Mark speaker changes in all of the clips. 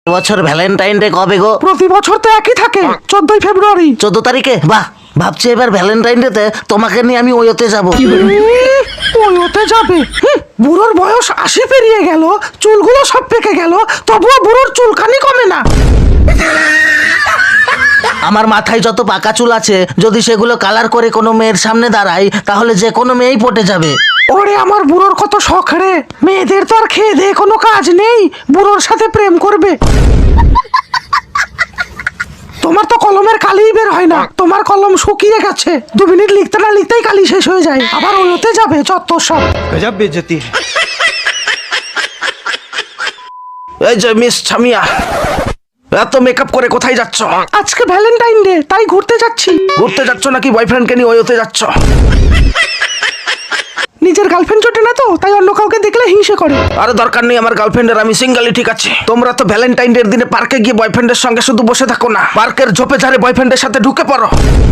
Speaker 1: বছর Valentine day কবে গো?
Speaker 2: প্রতি বছর তো একই থাকে, 14ই ফেব্রুয়ারি।
Speaker 1: 14 তারিখে? বাহ, ভাবছি এবার ভ্যালেন্টাইন ডে তে তোমাকে নিয়ে আমি ওইতে যাব।
Speaker 2: ওতে যাবে? বুড়োর বয়স 80 পেরিয়ে গেল, চুলগুলো সব পেকে গেল, তবুও বুড়োর চুলকানি কমে না।
Speaker 1: আমার মাথায় যত পাকা চুল আছে, যদি সেগুলো কালার করে কোনো মেয়ের সামনে দাঁড়াই, তাহলে যে কোনো মেয়েই পটে যাবে।
Speaker 2: ওরে আমার বুড়োর কত শখ রে, মেয়েদের তো আর খেয়ে দিয়ে কোনো কাজ নেই, বুড়োর সাথে প্রেম করবে। তোমার তো কলমের কালিই বের হয় না, তোমার কলম শুকিয়ে গেছে, 2 মিনিট লিখতে না লিখতেই কালি শেষ হয়ে যায়, আবার ওতে যাবে চত্বর সব।
Speaker 3: गजब बेइज्जती है।
Speaker 4: এই যে মিস ছামিয়া, এত মেকআপ করে কোথায় যাচ্ছ?
Speaker 2: আজকে ভ্যালেন্টাইন ডে, তাই ঘুরতে যাচ্ছি।
Speaker 4: ঘুরতে যাচ্ছ নাকি বয়ফ্রেন্ডকে নিয়ে ওইতে যাচ্ছ?
Speaker 2: নিজের গার্লফ্রেন্ড জোটে না তো, তাই অন্য কাউকে দেখলে হিংসে করে।
Speaker 4: আরে দরকার নেই আমার গার্লফ্রেন্ডের, আমি সিঙ্গেলই ঠিক আছে। তোমরা তো ভ্যালেন্টাইন ডে দিনে পার্কে গিয়ে বয়ফ্রেন্ডের সঙ্গে শুধু বসে থাকো না, পার্কের ঝোপে ঝাড়ে বয়ফ্রেন্ডের সাথে ঢুকে পড়ো।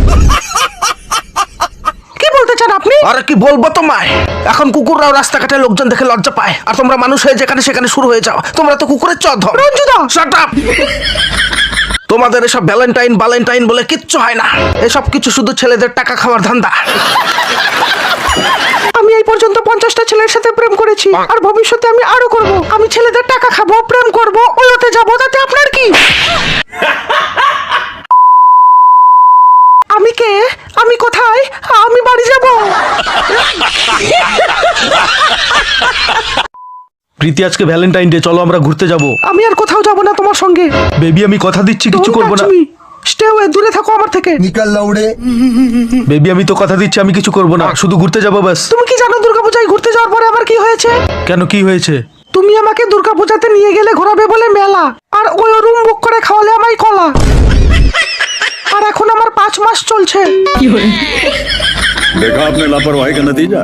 Speaker 2: কি বলতে চান আপনি?
Speaker 4: আরে কি বলবো তোমায়, এখন কুকুররাও রাস্তাঘাটে লোকজন দেখে লজ্জা পায়, আর তোমরা মানুষ হয়ে যেখানে সেখানে শুরু হয়ে যাও। তোমরা তো কুকুরের চোদন।
Speaker 2: রঞ্জুদা!
Speaker 4: Shut up! তোমাদের এসব ভ্যালেন্টাইন বলে কিচ্ছু হয় না, এসব কিছু শুধু ছেলেদের টাকা খাওয়ার ধান্দা।
Speaker 2: আমি এই পর্যন্ত 50টা ছেলের সাথে প্রেম করেছি, আর ভবিষ্যতে আমি আরো করব। আমি ছেলেদের টাকা খাবো, প্রেম করব, ওতে যাবো, তাতে আপনার কি? আমি কে? আমি কোথায়? আমি বাড়ি যাব।
Speaker 3: প্রীতি, আজকে ভ্যালেন্টাইন ডে, চলো আমরা ঘুরতে যাব।
Speaker 2: আমি আর কোথাও যাব না তোমার সঙ্গে।
Speaker 3: বেবি, আমি কথা দিচ্ছি কিছু করব না।
Speaker 2: স্টে ওয়ে, দূরে থাকো আমার থেকে।
Speaker 5: निकल लौड़े।
Speaker 3: বেবি, আমি তো কথা দিচ্ছি আমি কিছু করব না, শুধু ঘুরতে যাব ব্যাস।
Speaker 2: তুমি কি জানো দুর্গাপূজায় ঘুরতে যাওয়ার পরে আমার কি হয়েছে?
Speaker 3: কেন, কি হয়েছে?
Speaker 2: তুমি আমাকে দুর্গাপূজাতে নিয়ে গেলে ঘোরাবে বলে মেলা, আর ওই রুম বুক করে খাওয়ালে আমায় কলা, আর এখন আমার 5 মাস চলছে।
Speaker 6: देखा आपने लापरवाही का नतीजा।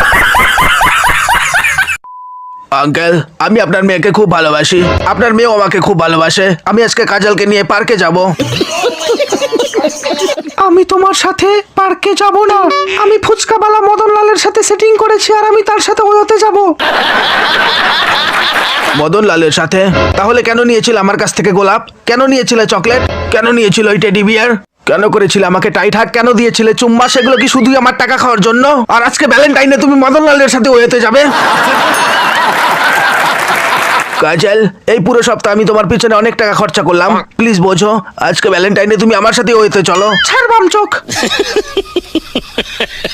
Speaker 4: আঙ্কেল, আমি আপনার মেয়েকে খুব ভালোবাসি, আপনার মেয়েও আমাকে খুব ভালোবাসে। আমি আজকে কাজলকে নিয়ে পার্কে যাব।
Speaker 2: আমি তোমার সাথে পার্কে যাব না, আমি ফুচকাওয়ালা মদনলালের সাথে সেটিং করেছি, আর আমি তার সাথে ওতে যাব।
Speaker 4: মদন লালের সাথে? তাহলে কেন নিয়েছিল আমার কাছ থেকে গোলাপ? কেন নিয়েছিলে চকলেট? কেন নিয়েছিল ওই টেডি বিয়ার? কেন করেছিলে আমাকে টাইট হাগ? কেন দিয়েছিলে চুম্মা? সেগুলো কি শুধুই আমার টাকা খাওয়ার জন্য? আর আজকে ভ্যালেন্টাইনে তুমি মদন লালের সাথে ওয়েতে যাবে? কাজল, এই পুরো সপ্তাহ আমি তোমার পিছনে অনেক টাকা খরচা করলাম, প্লিজ বোঝো, আজকে ভ্যালেন্টাইনে তুমি আমার সাথে ওয়েতে চলো।
Speaker 2: ছাড় বাম চোখ।